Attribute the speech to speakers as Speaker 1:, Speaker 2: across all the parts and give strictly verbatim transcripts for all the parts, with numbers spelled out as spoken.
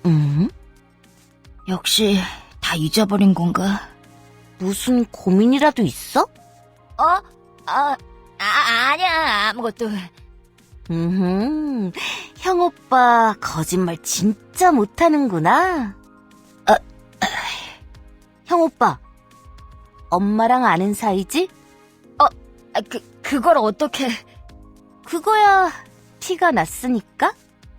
Speaker 1: 음? 역시 다 잊어버린 건가? 무슨 고민이라도 있어? 어? 아, 아 아니야 아무것도. 음, 형 오빠 거짓말 진짜 못하는구나. 아, 아, 형 오빠, 엄마랑 아는 사이지? 어, 아, 그 그걸 어떻게? 그거야 티가 났으니까.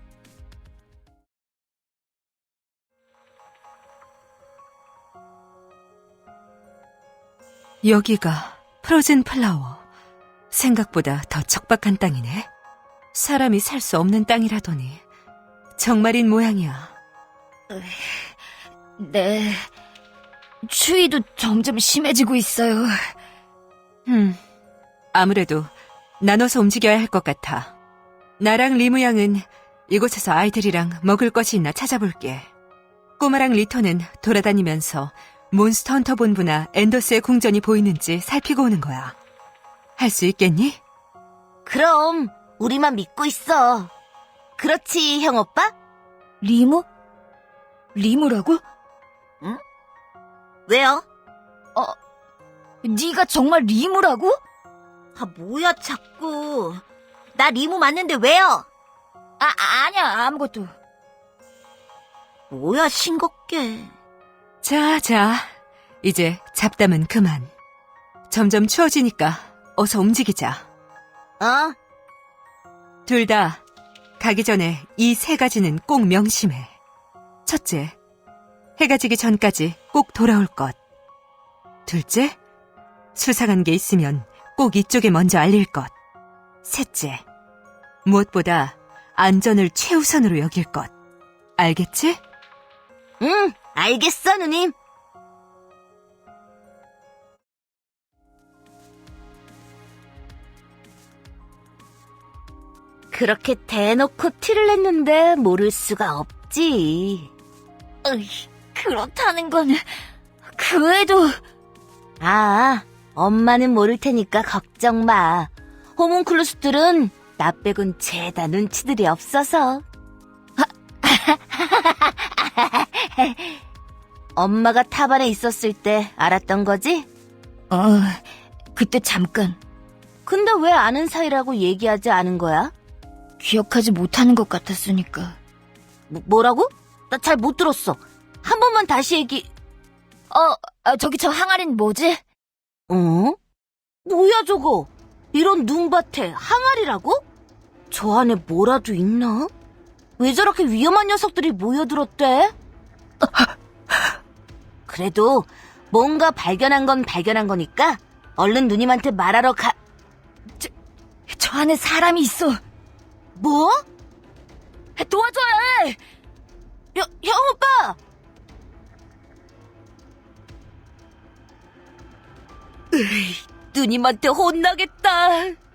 Speaker 2: 여기가 프로즌 플라워. 생각보다 더 척박한 땅이네. 사람이 살 수 없는 땅이라더니 정말인 모양이야.
Speaker 1: 네, 추위도 점점 심해지고 있어요.
Speaker 2: 음, 아무래도 나눠서 움직여야 할 것 같아. 나랑 리무 양은 이곳에서 아이들이랑 먹을 것이 있나 찾아볼게. 꼬마랑 리토는 돌아다니면서 몬스터 헌터 본부나 엔더스의 궁전이 보이는지 살피고 오는 거야. 할 수 있겠니?
Speaker 1: 그럼 우리만 믿고 있어. 그렇지, 형 오빠? 리무? 리무라고? 응? 왜요? 어, 네가 정말 리무라고? 아, 뭐야 자꾸. 나 리무 맞는데 왜요? 아, 아니야, 아무것도. 뭐야, 싱겁게.
Speaker 2: 자, 자, 이제 잡담은 그만. 점점 추워지니까 어서 움직이자.
Speaker 1: 어?
Speaker 2: 둘 다 가기 전에 이 세 가지는 꼭 명심해. 첫째, 해가 지기 전까지 꼭 돌아올 것. 둘째, 수상한 게 있으면 꼭 이쪽에 먼저 알릴 것. 셋째, 무엇보다 안전을 최우선으로 여길 것. 알겠지?
Speaker 1: 응, 알겠어, 누님. 그렇게 대놓고 티를 냈는데 모를 수가 없지. 으이, 그렇다는 건 그래도. 아, 엄마는 모를 테니까 걱정 마. 호문클루스들은 나 빼곤 죄다 눈치들이 없어서. 엄마가 탑 안에 있었을 때 알았던 거지? 어, 그때 잠깐. 근데 왜 아는 사이라고 얘기하지 않은 거야? 기억하지 못하는 것 같았으니까. 뭐, 뭐라고? 나 잘 못 들었어. 한 번만 다시 얘기. 어, 아, 저기 저 항아리는 뭐지? 어? 뭐야 저거? 이런 눈밭에 항아리라고? 저 안에 뭐라도 있나? 왜 저렇게 위험한 녀석들이 모여들었대? 그래도 뭔가 발견한 건 발견한 거니까 얼른 누님한테 말하러 가. 저, 저 안에 사람이 있어. 뭐? 도와줘야 해! 여, 형 오빠! 으이, 누님한테 혼나겠다.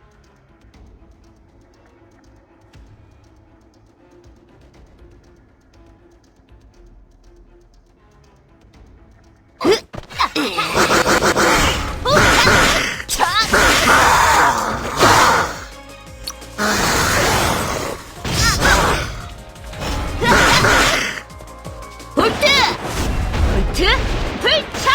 Speaker 1: 볼트! 볼트! 불차!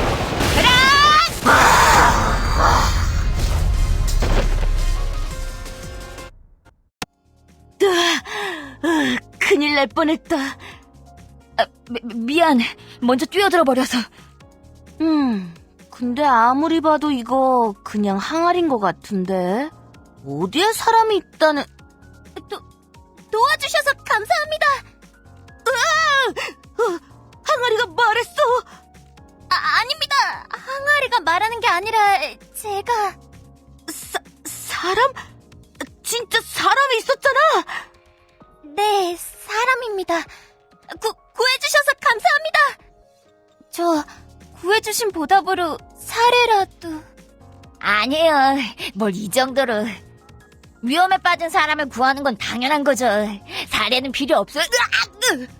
Speaker 1: 으아, 큰일 날 뻔했다. 아, 미, 미안. 먼저 뛰어들어 버려서. 음, 근데 아무리 봐도 이거 그냥 항아리인 것 같은데. 어디에 사람이 있다는... 도, 도와주셔서 감사합니다. 으아! 어, 항아리가 말했어. 아, 아닙니다. 항아리가 말하는 게 아니라 제가... 사, 사람? 진짜 사람이 있었잖아. 네, 사람입니다. 구, 구해주셔서 감사합니다. 저 구해주신 보답으로 사례라도... 아니에요. 뭘 이 정도로. 위험에 빠진 사람을 구하는 건 당연한 거죠. 사례는 필요 없어요. 으악! 으!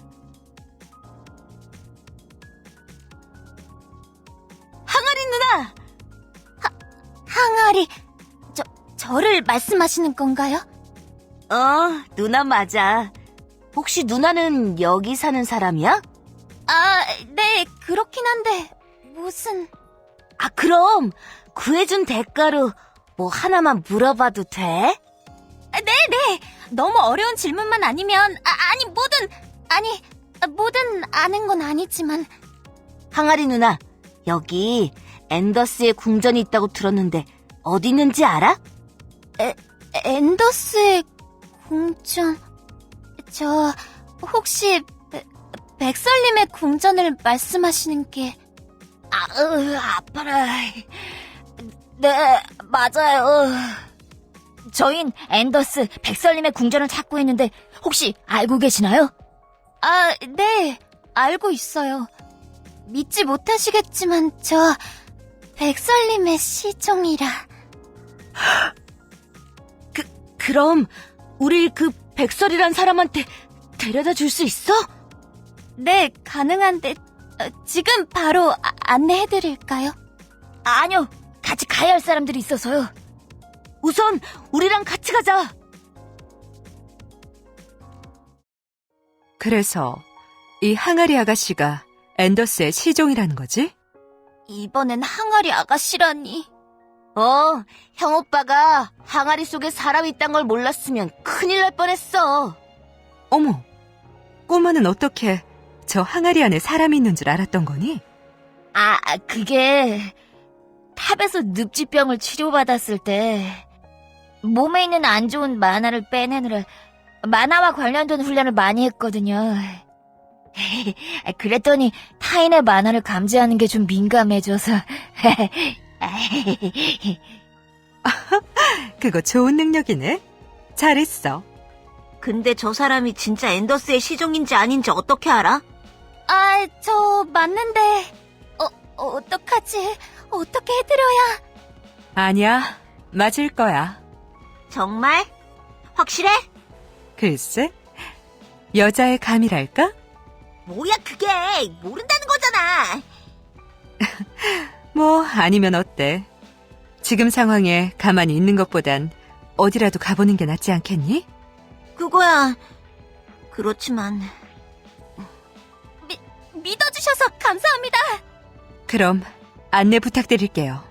Speaker 1: 항아리 누나! 하, 항아리... 저, 저를 말씀하시는 건가요? 어, 누나 맞아. 혹시 누나는 여기 사는 사람이야?
Speaker 3: 아, 네, 그렇긴 한데, 무슨...
Speaker 1: 아, 그럼 구해준 대가로 뭐 하나만 물어봐도 돼?
Speaker 3: 아, 네, 네. 너무 어려운 질문만 아니면, 아, 아니, 뭐든, 아니, 뭐든 아는 건 아니지만.
Speaker 1: 항아리 누나, 여기 앤더스의 궁전이 있다고 들었는데 어디 있는지 알아?
Speaker 3: 에, 앤더스의 궁전... 저, 혹시, 백- 백설님의 궁전을 말씀하시는 게...
Speaker 1: 아, 으, 아파라. 네, 맞아요. 저흰 앤더스 백설님의 궁전을 찾고 있는데 혹시 알고 계시나요?
Speaker 3: 아, 네, 알고 있어요. 믿지 못하시겠지만, 저, 백설님의 시종이라.
Speaker 1: 그, 그럼 우리 그 백설이란 사람한테 데려다 줄 수 있어?
Speaker 3: 네, 가능한데, 어, 지금 바로 아- 안내해드릴까요?
Speaker 1: 아니요, 같이 가야 할 사람들이 있어서요. 우선 우리랑 같이 가자.
Speaker 2: 그래서 이 항아리 아가씨가 앤더스의 시종이라는 거지?
Speaker 3: 이번엔 항아리 아가씨라니.
Speaker 1: 어, 형 오빠가 항아리 속에 사람이 있단 걸 몰랐으면 큰일 날 뻔했어.
Speaker 2: 어머, 꼬마는 어떻게 저 항아리 안에 사람이 있는 줄 알았던 거니?
Speaker 1: 아, 그게 탑에서 늪지병을 치료받았을 때 몸에 있는 안 좋은 만화를 빼내느라 만화와 관련된 훈련을 많이 했거든요. 그랬더니 타인의 만화를 감지하는 게 좀 민감해져서.
Speaker 2: 그거 좋은 능력이네. 잘했어.
Speaker 1: 근데 저 사람이 진짜 앤더스의 시종인지 아닌지 어떻게 알아?
Speaker 3: 아, 저 맞는데, 어, 어떡하지? 어떻게 해드려야?
Speaker 2: 아니야, 맞을 거야.
Speaker 1: 정말? 확실해?
Speaker 2: 글쎄, 여자의 감이랄까?
Speaker 1: 뭐야 그게, 모른다는 거잖아.
Speaker 2: 뭐 아니면 어때? 지금 상황에 가만히 있는 것보단 어디라도 가보는 게 낫지 않겠니?
Speaker 1: 그거야 그렇지만.
Speaker 3: 믿어주셔서 감사합니다.
Speaker 2: 그럼 안내 부탁드릴게요.